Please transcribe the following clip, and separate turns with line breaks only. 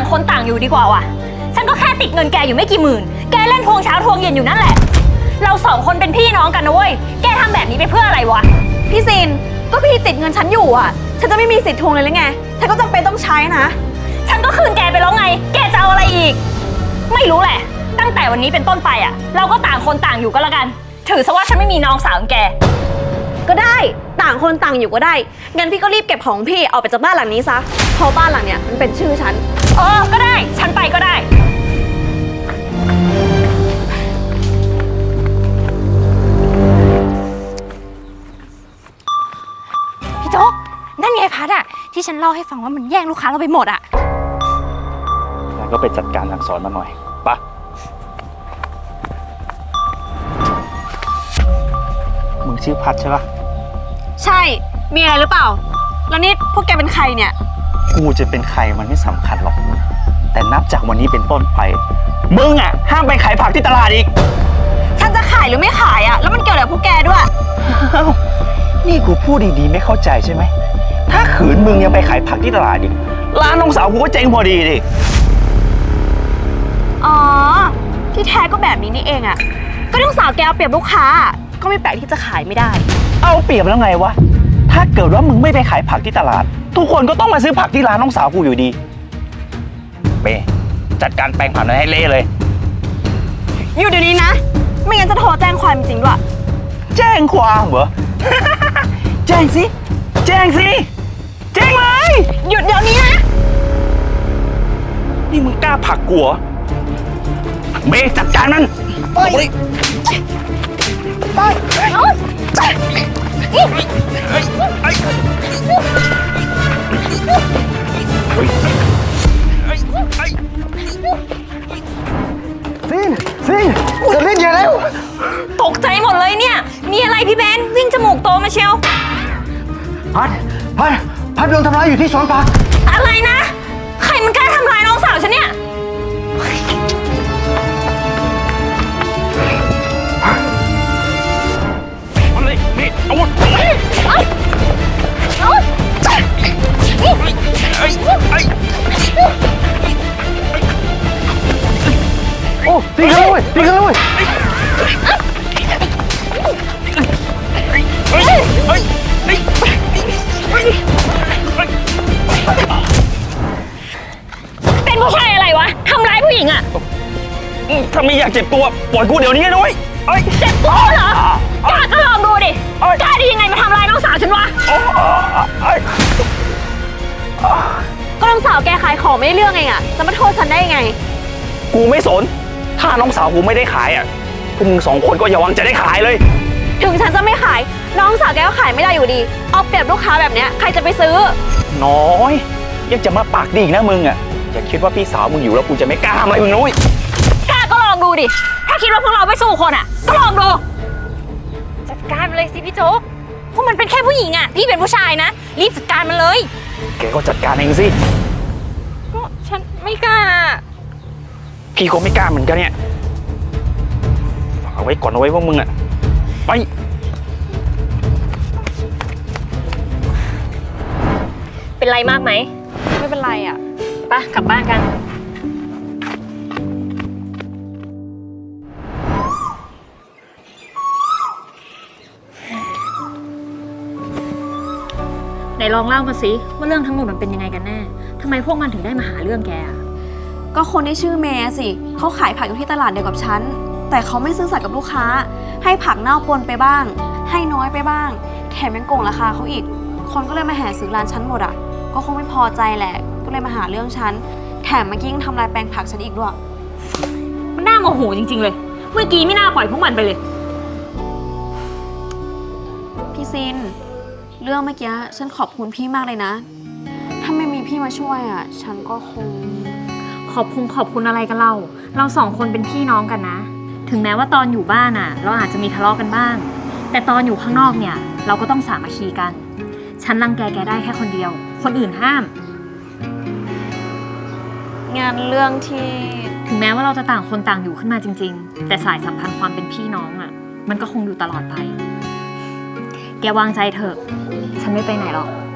คนต่างอยู่ดีกว่าว่ะฉันก็แค่ติดเงินแกอยู่ไม่กี่หมื่นแกเล่นทวงเช้าทวงเย็นอยู่นั่นแหละเราสองคนเป็นพี่น้องกันนะเว้ยแกทำแบบนี้ไปเพื่ออะไรวะ
พี่ซินก็พี่ติดเงินฉันอยู่อ่ะฉันจะไม่มีสิทธิ์ทวงเลยหรือไงฉันก็จำเป็นต้องใช้นะ
ฉันก็คืนแกไปแล้วไงแกจะเอาอะไรอีกไม่รู้แหละตั้งแต่วันนี้เป็นต้นไปอ่ะเราก็ต่างคนต่างอยู่ก็แล้วกันถือซะว่าฉันไม่มีน้องสาวของแก
ก็ได้ต่างคนต่างอยู่ก็ได้งั้นพี่ก็รีบเก็บของพี่ออกไปจากบ้านหลังนี้ซะเพราะบ้านหลังเนี้ยมันเป็นชื่อฉัน
ก็ได้ฉันไปก็ได้
พี่โจ๊กนั่นไงพัดอะที่ฉันเล่าให้ฟังว่ามันแย่งลูกค้าเราไปหมดอะ
งั้นก็ไปจัดการสั่งสอนมันหน่อยปะมึงชื่อพัดใช่ปะ
ใช่มีอะไรหรือเปล่าแล้วนี่พวกแกเป็นใครเนี่ย
กูจะเป็นใครมันไม่สำคัญหรอกแต่นับจากวันนี้เป็นต้นไปมึงอ่ะห้ามไปขายผักที่ตลาดอีก
ฉันจะขายหรือไม่ขายอ่ะแล้วมันเกี่ยวอะไรกับพวกแกด้วย
นี่กูพูดดีๆไม่เข้าใจใช่ไหมถ้าขืนมึงยังไปขายผักที่ตลาดอีกร้านน้องสาวกูก็เจ๊งพอดีดิ
อ๋อที่แท้ก็แบบนี้นี่เองอ่ะก็น้องสาวแกเอาเปรียบลูกค้าก็ไม่แปลกที่จะขายไม่ได้
เอาเปรียบแล้วไงวะถ้าเกิดว่ามึงไม่ไปขายผักที่ตลาดทุกคนก็ต้องมาซื้อผักที่ร้านน้องสาวกูอยู่ดีเป้จัดการแปลงผักนั้นให้เละเลย
อยู่เดี๋ยวนี้นะไม่งั้นจะโทรแจ้งความจริงด้วย
แจ้งความเหรอ แจ้งสิแจ้งสิแจ้งเลย
หยุดเดี๋ยวนี้นะ
นี่มึงกล้าผลักกูเหรอเป้จัดการมันไปซินจะเล่นอย่าแล้ว
ตกใจหมดเลยเนี่ยมีอะไรพี่เบนวิ่งจมูกโตมาเชียว
พัดโดนทำร้ายอยู่ที่สวนผัก
อะไรนะใครมันกล้าทำร้ายน้องสาวฉันเนี่ย
อาวุธโอ้ตีกันเลยตีกันเลย
เป็นผู้ชายอะไรวะทำร้ายผู้หญิงอ่ะ
ถ้าไม่อยากเจ็บตัวปล่อยกูเดี๋ยวนี้นะเว้ย
เจ็บตัวเหรอกล้าก็ลองดูดิกล้าได้ยังไงมาทำร้ายน้องสาวฉันวะ
ก็น้องสาวแกขายของไม่ได้เรื่องเองอะจะมาโทษฉันได้ยังไง
กูไม่สนถ้าน้องสาวกูไม่ได้ขายอ่ะพวกมึงสองคนก็อย่าหวังจะได้ขายเลย
ถึงฉันจะไม่ขายน้องสาวแกก็ขายไม่ได้อยู่ดีเอาเปรียบลูกค้าแบบเนี้ยใครจะไปซื้อ
น้อยยังจะมาปากดีอีกนะมึงอ่ะอย่าคิดว่าพี่สาวมึงอยู่แล้วกูจะไม่กล้าทำอะไรมึงนุ้ย
กล้าก็ลองดูดิถ้าคิดว่าพวกเราไม่สู้คนอ่ะก็ลองดูจัดการมันเลยสิพี่โจ๊กพวกมันเป็นแค่ผู้หญิงอ่ะพี่เป็นผู้ชายนะรีบจัดการมันเลย
แกก็จัดการเองสิ
ก็ฉันไม่กล้า
พี่ก็ไม่กล้าเหมือนกันเนี่ยฝากไว้ก่อนเอาไว้พวกมึงอ่ะไป
เป็นไรมากไหม
ไม่เป็นไรอ่ะ
ไปกลับบ้านกันไหนลองเล่ามาสิว่าเรื่องทั้งหมดมันเป็นยังไงกันแน่ทำไมพวกมันถึงได้มาหาเรื่องแก
ก็คนที่ชื่อเมย์สิเขาขายผักอยู่ที่ตลาดเดียวกับฉันแต่เขาไม่ซื่อสัตย์กับลูกค้าให้ผักเน่าปนไปบ้างให้น้อยไปบ้างแถมยังโกงราคาเขาอีกคนก็เลยมาแห่ซื้อร้านฉันหมดอ่ะก็คงไม่พอใจแหละก็เลยมาหาเรื่องฉันแถมเมื่อกี้ยังทำลายแปลงผักฉันอีกด้วย
มันน่าโมโหจริงๆเลยเมื่อกี้ไม่น่าปล่อยพวกมันไปเลย
พี่ซินเรื่องเมื่อกี้ฉันขอบคุณพี่มากเลยนะถ้าไม่มีพี่มาช่วยอ่ะฉันก็คง
ขอบคุณอะไรกันเราสองคนเป็นพี่น้องกันนะถึงแม้ว่าตอนอยู่บ้านอ่ะเราอาจจะมีทะเลาะกันบ้างแต่ตอนอยู่ข้างนอกเนี่ยเราก็ต้องสามัคคีกันฉันรังแกได้แค่คนเดียวคนอื่นห้าม
งานเรื่องที่
ถึงแม้ว่าเราจะต่างคนต่างอยู่ขึ้นมาจริงๆแต่สายสัมพันธ์ความเป็นพี่น้องอ่ะมันก็คงอยู่ตลอดไปแกวางใจเถอะฉันไม่ไปไหนหรอก